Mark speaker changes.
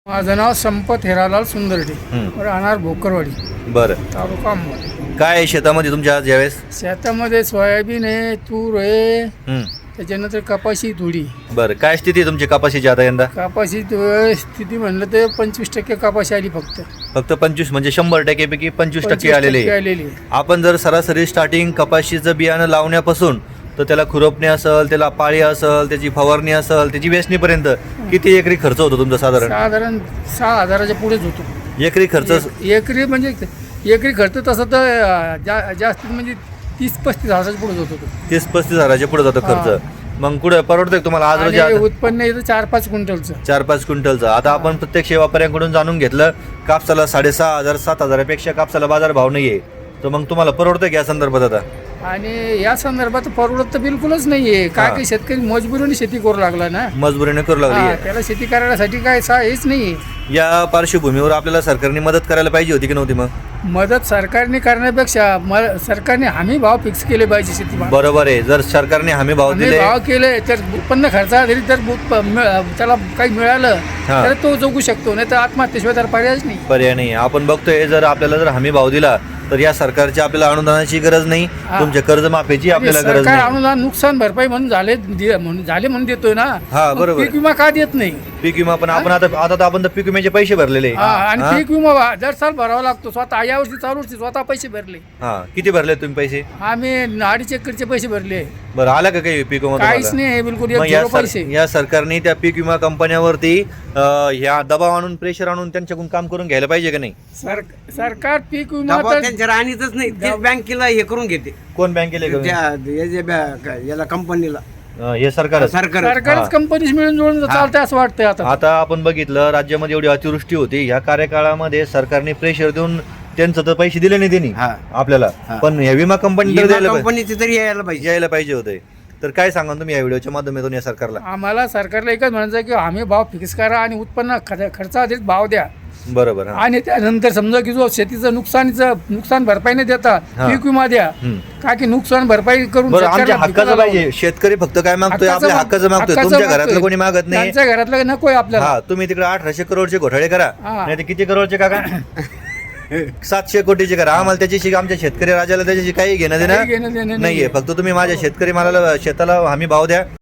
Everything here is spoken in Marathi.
Speaker 1: माझं नाव संपत हिरालाल सुंदरडे, राहणार भोकरवाडी,
Speaker 2: बरं.
Speaker 1: तालुका अंबड.
Speaker 2: काय आहे शेतामध्ये तुमच्या आज यावेळेस?
Speaker 1: शेतामध्ये सोयाबीन आहे, तूर आहे,
Speaker 2: हं.
Speaker 1: त्याच्यानंतर कपाशी थोडी.
Speaker 2: बरं, काय स्थिती आहे तुमची कपाशीची आता यंदा?
Speaker 1: कपाशी स्थिती म्हणलं तर 25% कपाशी आली फक्त.
Speaker 2: फक्त 25 म्हणजे 100% पैकी 25% आलेले आहे.
Speaker 1: आलेली आहे.
Speaker 2: आपण जर सरासरी स्टार्टिंग कपाशीचं बियाणं लावण्यापासून तर त्याला खुरपणे असेल, त्याला पाळी असेल, त्याची फवारणी असेल, त्याची वेचणीपर्यंत किती एकरी खर्च होतो तुमचा साधारण?
Speaker 1: साधारण 6,000च्या पुढेच होतो
Speaker 2: एकरी खर्च?
Speaker 1: एकरी म्हणजे एकरी खर्च तसं तर जास्त म्हणजे 30-35 हजाराच्या पुढेच होतो तो.
Speaker 2: 30-35 हजाराच्या पुढे जातो खर्च. मग कुठे परवडतंय तुम्हाला आज रोजी?
Speaker 1: आणि उत्पन्न येतं 4-5 क्विंटलचं.
Speaker 2: 4-5 क्विंटलचं. आता आपण प्रत्यक्ष व्यापाऱ्यांकडून जाणून घेतलं, कापसाला 6,500 7,000पेक्षा कापसाला बाजारभाव नाही आहे, तर मग तुम्हाला परवडतं की या संदर्भात आता?
Speaker 1: आणि या संदर्भात परवडत तर बिलकुलच नाहीये. काय की शेतकरी मजबुरीने शेती करू लागला ना,
Speaker 2: मजबुरीने करू लागली आहे.
Speaker 1: त्याला शेती करण्यासाठी काय हेच नाहीये.
Speaker 2: या पार्श्वभूमीवर आपल्याला सरकारने मदत करायला पाहिजे होती की नव्हती? मग
Speaker 1: मदत सरकारने करण्यापेक्षा सरकारने हमी भाव फिक्स केले पाहिजे शेती
Speaker 2: बरोबर आहे. जर सरकारने हमी भाव दिले,
Speaker 1: भाव केले तर उत्पन्न खर्चा जरी तर त्याला काही मिळालं तर तो जगू शकतो, नाही तर आत्महत्येशिवाय तर पर्यायच नाही.
Speaker 2: पर्याय नाही. आपण बघतोय जर आपल्याला जर हमी भाव दिला तर या सरकारच्या आपल्याला अनुदानाची गरज नाही, तुमच्या कर्जमाफीची आपल्याला गरज
Speaker 1: सरकार
Speaker 2: नाही.
Speaker 1: अनुदान नुकसान भरपाई म्हणून झाले म्हणून देतोय ना.
Speaker 2: हा, बरोबर.
Speaker 1: पीक विमा का देत नाही?
Speaker 2: पीक विमा पण आपण आता तर आपण तर पीक विम्याचे पैसे भरलेले.
Speaker 1: आणि पीक विमा दर साल भरावा लागतो. स्वतः या वर्षी चालू वर्षी स्वतः पैसे भरले.
Speaker 2: हा, किती भरले तुम्ही पैसे?
Speaker 1: आम्ही 2.5 एकरचे पैसे भरले.
Speaker 2: बरं, आला का काही पीक विमा?
Speaker 1: काहीच नाही, बिलकुल
Speaker 2: मग
Speaker 1: झिरो पैसे.
Speaker 2: या सरकारने त्या पीक विमा कंपन्यावरती ह्या दबाव आणून, प्रेशर आणून त्यांच्याकडून काम करून घ्यायला पाहिजे का नाही?
Speaker 1: सरकार पीक विमा
Speaker 3: दबाव
Speaker 1: तर
Speaker 3: त्यांच्या राणीतच नाही, तेच बँकेला हे करून घेते.
Speaker 2: कोण बँकेला?
Speaker 3: याला कंपनीला
Speaker 2: हे सरकार.
Speaker 1: सरकारच कंपनीच मिळून जुळून चालतंय असं वाटतंय आता.
Speaker 2: आता आपण बघितलं राज्यामध्ये एवढी अतिवृष्टी होती, ह्या कार्यकाळामध्ये सरकारने प्रेशर देऊन त्यांचं तर पैसे दिले नाही त्यांनी आपल्याला, पण ह्या विमा
Speaker 3: कंपनीचे तरी यायला पाहिजे
Speaker 2: होते. तर काय सांगा तुम्ही या व्हिडिओच्या माध्यमातून या सरकारला?
Speaker 1: आम्हाला सरकारला एकच म्हणायचं की हमी भाव फिक्स करा आणि उत्पन्न खर्चाआधीच भाव द्या.
Speaker 2: बरोबर.
Speaker 1: आणि त्यानंतर समजा की जो शेतीचं नुकसान भरपाई नाही देता, पीक विमा द्या. का की नुकसान भरपाई करून
Speaker 2: आमच्या हक्काचं पाहिजे. शेतकरी फक्त काय मागतोय? आपल्या हक्काचं मागतोय. तुमच्या घरातलं कोणी मागत नाही.
Speaker 1: त्यांच्या घरातलं नकोय आपल्याला.
Speaker 2: तुम्ही तिकडे 1800 करोडचे घोटाळे करा, नाही तर किती करोडचे काका? 700 कोटीचे करा. आम्हाला त्याच्याशी, आमच्या शेतकरी राजाला त्याच्याशी काही घेणं देणं नाहीये. फक्त तुम्ही माझ्या शेतकरी मालाला, शेताला हमी भाव द्या.